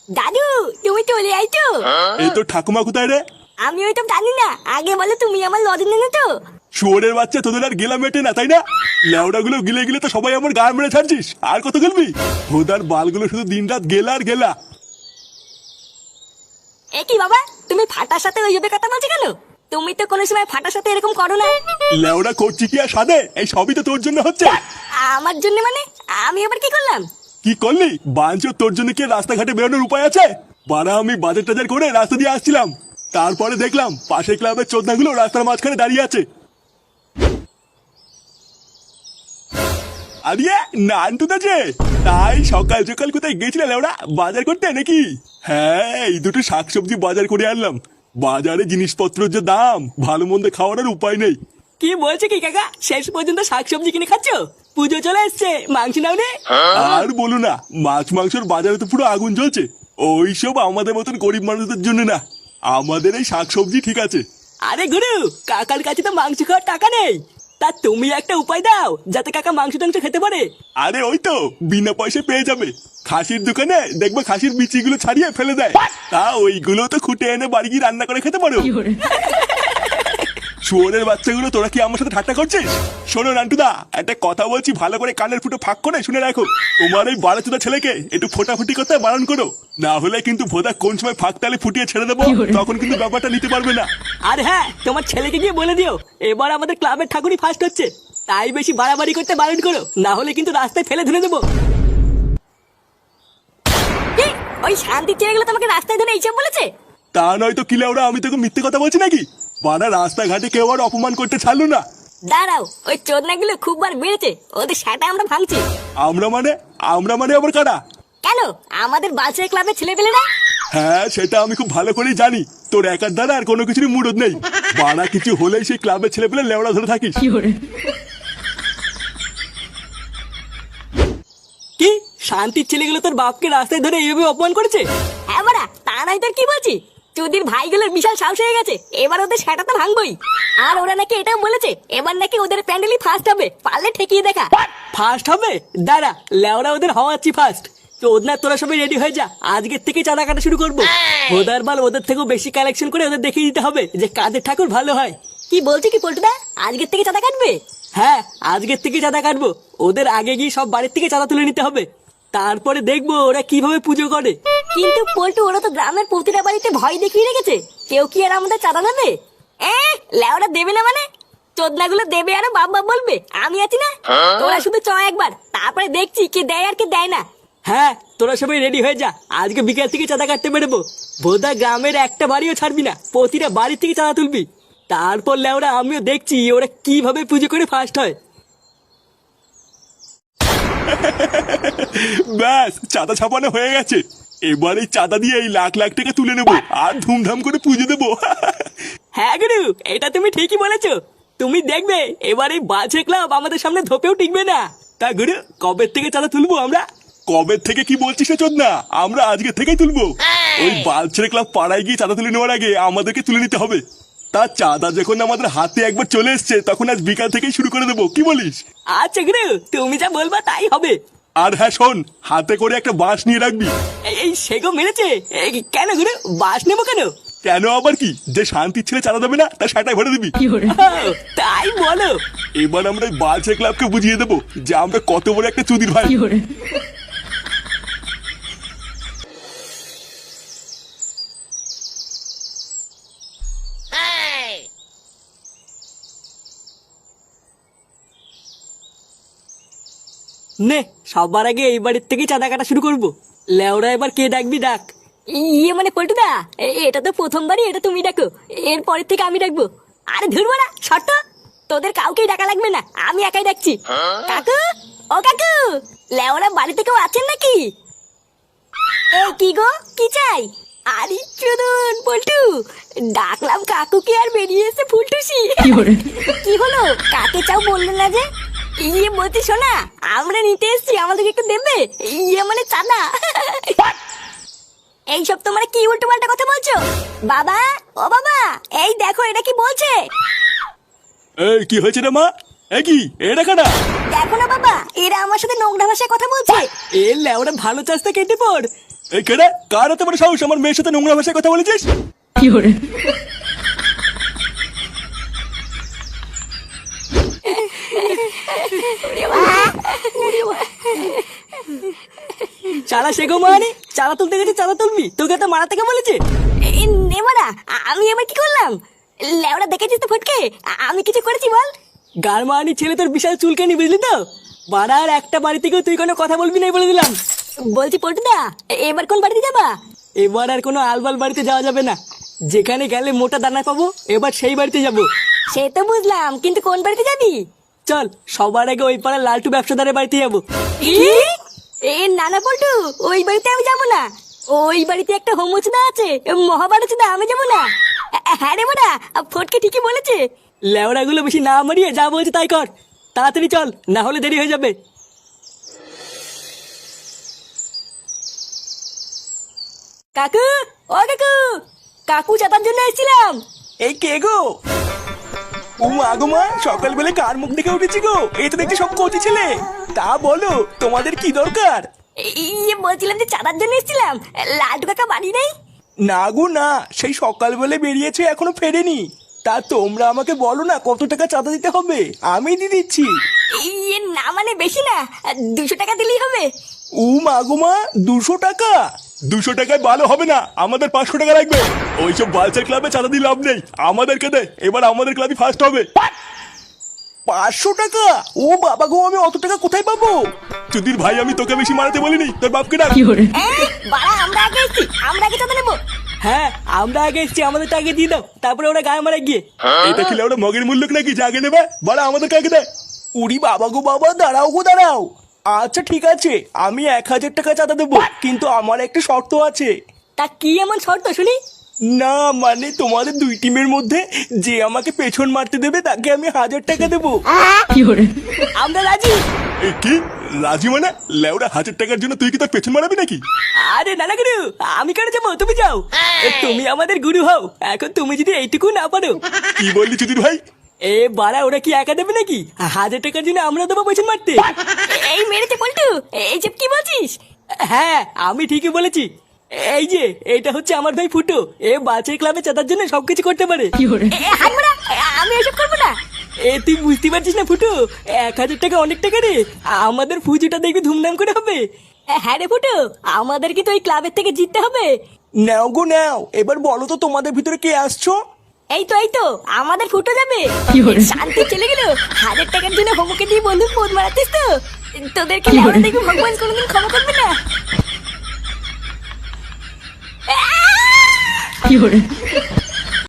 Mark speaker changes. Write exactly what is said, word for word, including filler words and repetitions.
Speaker 1: দাদু তুমি চলে আইছো?
Speaker 2: এই তো ঠাকুমা কোথায় রে?
Speaker 1: আমি ওই তো জানি না, আগে বলো তুমি আমার লজেন এনে তো।
Speaker 2: শুয়োরের বাচ্চা, তোদের আর গেলা মেটে না তাই না? লেওড়া গুলো গিলে গিলে তো সবাই আমার গায়ে মেরে ছাড়ছিস, আর কত গেলবি? ভোদার বালগুলো শুধু দিন রাত গেলা আর গেলা।
Speaker 1: এ কি বাবা, তুমি ফাটার সাথে ওইভাবে কথা বলছো কেন? তুমি তো কোনো সময় ফাটার সাথে এরকম করো না।
Speaker 2: লেওড়া করছি কি আর সাদে? এই সবই তো তোর জন্য হচ্ছে।
Speaker 1: আমার জন্য মানে? আমি আবার কি করলাম?
Speaker 2: কি করলি বাঞ্চো? তোর জন্য কি রাস্তাঘাটে বেরোনোর উপায় আছে? বাড়া আমি বাজার টাজার করে রাস্তা দিয়ে আসছিলাম, তারপরে দেখলাম পাশের ক্লাবের চোদনাগুলো রাস্তার মাঝখানে দাঁড়িয়ে আছে। আরে নান্টুদা যে, তাই সকাল সকাল কোথায় গেছিলে লেওড়া? বাজার করতে নাকি? হ্যাঁ, এই দুটো শাকসবজি বাজার করে আনলাম। বাজারে জিনিসপত্রের যে দাম, ভালো মন্দ খাওয়ার আর উপায় নেই।
Speaker 3: কি বলছো কি কাকা? শেষ পর্যন্ত শাকসবজি কিনে খাচ্ছ? পুজো চলে এসছে, মাংস নাও নে।
Speaker 2: আর বলো না, মাছ মাংসের বাজারে তো পুরো আগুন জ্বলছে। ওইসব আমাদের মতন গরিব মানুষদের জন্য না, আমাদের এই শাকসবজি ঠিক আছে।
Speaker 3: আরে গুরু, কাকার কাছে তো মাংস খাওয়ার টাকা নেই, তা তুমি একটা উপায় দাও যাতে কাকা মাংস টাংস খেতে পারে।
Speaker 2: আরে ওই তো বিনা পয়সায় পেয়ে যাবে। খাসির দোকানে দেখবে খাসির বিচিগুলো ছাড়িয়ে ফেলে দেয়, তা ওইগুলো তো খুঁটে এনে বাড়ি গিয়ে রান্না করে খেতে পারো। শুয়োরের বাচ্চাগুলো, তোরা কি আমার সাথে ঠাট্টা করছিস? শোনো নান্টুদা, একটা কথা বলছি, ভালো করে কানের ফুটো ফাঁক করে শুনে রাখো। তোমার ওই বাড়াচোদা ছেলেকে একটু ফোটাফুটি করতে বারণ করো, না হলে কিন্তু ভোদা কোন সময় ফাঁক তালে ফুটিয়ে ছেড়ে দেবো, তখন কিন্তু ব্যাপারটা নিতে পারবে না।
Speaker 3: আর হ্যাঁ, তোমার ছেলেকে গিয়ে বলে দিও এবার আমাদের ক্লাবের ঠাকুরই ফার্স্ট হচ্ছে, তাই বেশি বাড়াবাড়ি করতে বারণ করো, না হলে কিন্তু রাস্তায় ফেলে ধরে দেবো।
Speaker 1: কি? ওই শান্তি ছেলেগুলো তোমাকে রাস্তায় ধরে এইসব বলেছে?
Speaker 2: তা নয় তো কিলে ওরা, আমি তোকে মিথ্যে কথা বলছি নাকি? বাড়া রাস্তাঘাটে কেউ আর অপমান করতে ছাড়লো না।
Speaker 1: দাঁড়াও, ওই চোদনাগুলো খুব বার বেড়েছে, ওদের সেটা আমরা ভাঙছি।
Speaker 2: আমরা মানে? আমরা মানে আবার কারা?
Speaker 1: কেন, আমাদের বাচ্চার ক্লাবের ছেলে পেলে না?
Speaker 2: হ্যাঁ, সেটা আমি খুব ভালো করেই জানি। তোর একার দ্বারা আর কোনো কিছুরই মুরদ নেই। বাড়া কিছু হলেই সেই ক্লাবের ছেলে পেলে লেওড়া ধরে থাকিস।
Speaker 3: কি শান্তির ছেলেগুলো তোর বাপকে রাস্তায় ধরে এইভাবে অপমান করেছে?
Speaker 1: হ্যাঁ বাড়া, তা নাই তোর কি বলছি? চুদির ভাইগুলোর বিশাল সাহস হয়ে গেছে, এবার ওদের সেটা তো ভাঙবই। আর ওরা নাকি এটাও বলেছে এবার নাকি ওদের প্যান্ডেলই ফার্স্ট হবে, পারলে ঠেকিয়ে দেখা।
Speaker 3: ফার্স্ট হবে? দাঁড়া, লেওরা ওদের হওয়াচ্ছি ফার্স্ট। তো ওদনা তোরা সবাই রেডি হয়ে যা, আজকের থেকে চাঁদা কাটা শুরু করবো। ওদের বাল ওদের থেকেও বেশি কালেকশন করে ওদের দেখিয়ে দিতে হবে যে কাদের ঠাকুর ভালো হয়।
Speaker 1: কি বলছি কি পল্টুদা, আজকের থেকে চাঁদা কাটবে?
Speaker 3: হ্যাঁ, আজকের থেকে চাঁদা কাটবো। ওদের আগে গিয়ে সব বাড়ির থেকে চাঁদা তুলে নিতে হবে, তারপরে দেখবো ওরা কিভাবে পুজো করে।
Speaker 1: কিন্তু পল্টু, ওরা তো গ্রামের প্রতিটা বাড়িতে ভয় দেখিয়ে রেখেছে, কেউ কি আর আমাদের চাঁদা দেবে? এ লেওরা দেবে না মানে? চোদনাগুলো দেবে আর বাপ বাপ বলবে, আমি আছি না। তোরা শুধু চ একবার, তারপরে দেখছি কে দেয় আর কে দেয় না।
Speaker 3: হ্যাঁ, তোরা সবাই রেডি হয়ে যা, আজকে বিকেল থেকে চাঁদা কাটতে বেরোবো। বোধা গ্রামের একটা বাড়িও ছাড়বি না, প্রতিটা বাড়ি থেকে চাঁদা তুলবি। তারপর লেওরা আমিও দেখছি ওরা কিভাবে পুজো করে ফার্স্ট হয়।
Speaker 2: ব্যাস, চাঁদা ছাপানো হয়ে গেছে। এবার এই চাঁদা দিয়ে এই লাখ লাখ টাকা তুলে নেবো আর ধুমধাম করে পুজো দেবো।
Speaker 3: হ্যাঁ গুরু, এটা তুমি ঠিকই বলেছো। তুমি দেখবে এবার এই বাজে ক্লাব আমাদের সামনে ধোপেও টিকবে না। তা গুরু, কবে থেকে চাঁদা তুলবো আমরা?
Speaker 2: কবে থেকে কি বলছিস চোদ না, আমরা আজকে থেকেই তুলবো। ওই বালছেড়ে ক্লাব পাড়ায় গিয়ে চাঁদা তুলে নেওয়ার আগে আমাদেরকে তুলে নিতে হবে। তার চাঁদা যখন আমাদের হাতে একবার চলে এসছে, তখন আজ বিকাল থেকেই শুরু করে দেবো, কি বলিস?
Speaker 3: আচ্ছা গুরু, তুমি যা বলবা তাই হবে।
Speaker 2: আর হ্যাঁ শোন, হাতে করে একটা বাঁশ নিয়ে রাখবি।
Speaker 3: এই- এই সেগো মেরেছে? এই কেন গুরু, বাস নেবো কেন?
Speaker 2: কেন আবার কি, যে শান্তির ছেলে চাঁদা দেবে না তার সেটাই ভরে দিবি।
Speaker 3: ও, তাই বলো?
Speaker 2: এবার আমরা এই বালছে ক্লাবকে বুঝিয়ে দেবো যে আমরা কত বড় একটা চুদির ভাই।
Speaker 3: নে, সবার আগে এই বাড়ির থেকে চাঁদা কাটা শুরু করবো। লেওরা এবার কে ডাকবি ডাক।
Speaker 1: ইয়ে মানে পল্টুদা, এ- এটা তো প্রথমবারই, এটা তুমি ডাকো, এর পরের থেকে আমি ডাকবো। আরে ধুর মারা শর্ত, তোদের কাউকেই ডাকা লাগবে না, আমি একাই ডাকছি। কাকু, ও কাকু, লেওরা বাড়িতে কেউ আছেন নাকি? এই কি গো, কি চাই? আরে চুদন পল্টু, ডাকলাম কাকুকে আর বেরিয়ে এসে ফুলটুসি। কি হলো, কাকে চাও বললে না যে? ইয়ে বলছি শোনা, আমরা নিতে এসছি, আমাদেরকে একটু দেবে? ইয়ে মানে চাঁদা। এইসব তোমরা কি উল্টো পাল্টা কথা বলছো? বাবা, ও বাবা, এই দেখো এটা কি বলছে।
Speaker 2: এই কি হয়েছে রে মা? এ কি, এটা কাটা?
Speaker 1: দেখো না বাবা, এরা আমার সাথে নোংরা ভাষায় কথা বলছে।
Speaker 3: এ লেওরা ভালো চাষটা কেটে পড়।
Speaker 2: এই কেডা কার এত বড় সাহস আমার মেয়ের সাথে নোংরা ভাষায় কথা বলেছিস?
Speaker 3: চালা শেখো মানে চালা তুলতে গেছে চালা তুলবি, তোকে তো মারা থেকে বলেছে।
Speaker 1: এই নেমারা, আমি এবার কি করলাম? লেওরা দেখেছিস তো ফটকে, আমি কিছু করেছি বল?
Speaker 3: গারমানি ছেলে তোর বিশাল চুলকানি, বুঝলি তো? বাড়ার একটা বাড়ি থেকেও তুই কোনো কথা বলবি না বলে দিলাম।
Speaker 1: বলছি পল্টুদা, এবার কোন বাড়িতে যাবা?
Speaker 3: এবার আর কোনো আলবাল বাড়িতে যাওয়া যাবে না। যেখানে গেলে মোটা দানা পাবো, এবার সেই বাড়িতে যাব।
Speaker 1: সে তো বুঝলাম, কিন্তু কোন বাড়িতে যাবি?
Speaker 3: চল সবার আগে ওই পাড়ার লালটু ব্যবসাদারের বাড়িতে যাবো।
Speaker 1: এ নানা পল্টু, ওই বাড়িতে আমি যাবো না। ওই বাড়িতে একটা হোমচুদা আছে, মহাভারতদা, আমি যাবো না। হ্যাঁ রে মোটা, ফটকে ঠিকই বলেছে।
Speaker 3: লেওড়াগুলো বেশি না মারিয়ে যা বলছে তাই কর, তাড়াতাড়ি চল, না হলে দেরি হয়ে যাবে।
Speaker 1: কাকু, ও কাকু, কাকু চাতার জন্য এসেছিলাম।
Speaker 3: এই কে গো? ও মা গো মা, সকালবেলা কার মুখ দেখে উঠেছি গো? এই তো দেখছি সব কচি ছেলে। তা বলো, তোমাদের কি দরকার?
Speaker 1: ইয়ে বলছিলাম যে চাঁদার জন্য এসেছিলাম। লাড্ডু কাকা বাড়ি নেই?
Speaker 3: না গো না, সেই সকালবেলা বেরিয়েছে, এখনো ফেরেনি। তা তোমরা আমাকে বলো না কত টাকা চাঁদা দিতে হবে, আমি দিয়ে দিচ্ছি।
Speaker 1: ইয়ে না মানে বেশি না, দুশো টাকা দিলেই হবে।
Speaker 3: ও মা গো মা, দুশো টাকা?
Speaker 2: দুশো টাকায় ভালো হবে না, আমাদের পাঁচশো টাকা লাগবে। ওইসব বালচার ক্লাবে চাঁদা দিয়ে লাভ নেই, আমাদেরকে দে, এবার আমাদের ক্লাবই ফার্স্ট হবে।
Speaker 3: পাঁচশো টাকা? ও বাবা গো, আমি অত টাকা কোথায় পাবো?
Speaker 2: চুদির ভাই, আমি তোকে বেশি মারাতে বলিনি, তোর বাপকে ডাক।
Speaker 1: বাড়া, আমরা আগে এসেছি, আমরা আগে চাঁদা নেবো।
Speaker 3: হ্যাঁ, আমরা আগে এসছি, আমাদের টাকা দিয়ে দাও, তারপরে ওরা গায়ে মারা গিয়ে।
Speaker 2: এটা খেলে ওরা মগের মূল্য নাকি জাগে নেবে? বাড়া আমাদের কাকে দেয়?
Speaker 3: উড়ি বাবা গো বাবা, দাঁড়াও গো দাঁড়াও। আচ্ছা ঠিক আছে, আমি এক হাজার টাকা চাঁদা দেবো, কিন্তু আমার একটা শর্ত আছে।
Speaker 1: তা কি এমন শর্ত শুনি?
Speaker 3: না মানে তোমাদের দুই টিমের মধ্যে যে আমাকে পেছন মারতে দেবে তাকে আমি হাজার টাকা দেবো।
Speaker 1: আমরা রাজি।
Speaker 2: এ কি রাজি মানে? লেওরা হাজার টাকার জন্য তুই কি তোর পেছন মারাবি নাকি?
Speaker 3: আরে নানা গুরু, আমি কেন যাবো, তুমি যাও। এ, তুমি আমাদের গুরু হও, এখন তুমি যদি এইটুকু না পারো।
Speaker 2: কি বললি চুদির ভাই?
Speaker 3: এ বাড়া, ওরা কি একা দেবে নাকি? হাজার টাকার জন্য আমরা দেবো পেছন মারতে?
Speaker 1: এই মেরেছে পল্টু, এই যে কি বলছিস?
Speaker 3: হ্যাঁ, আমি ঠিকই বলেছি। এই যে এটা হচ্ছে আমার ভাই ফুটো, এ বাচ্চার ক্লাবে চাঁদার জন্য সবকিছু করতে পারে।
Speaker 1: এ, হাত মারা, আমি এসব করবো না।
Speaker 3: এ তুই বুঝতে পারছিস না ফুটো, এক হাজার টাকা অনেক টাকা রে, আমাদের পুজোটা দেখবি ধুমধাম করে হবে।
Speaker 1: হ্যাঁ রে ফুটু, আমাদের কি তো ওই ক্লাবের থেকে জিততে হবে?
Speaker 3: নাও গো নাও, এবার বলো তো তোমাদের ভিতরে কে আসছো?
Speaker 1: এই তো এই তো আমাদের ফুটো যাবে। শান্তি চলে গেল, হাজার টাকার জন্য হোমকে দিয়ে বন্ধু ফোন মারাতিস তো? তোদেরকে লেওয়া দেখবি ভগবান কোনোদিন ক্ষমা করবে না।
Speaker 4: কি hore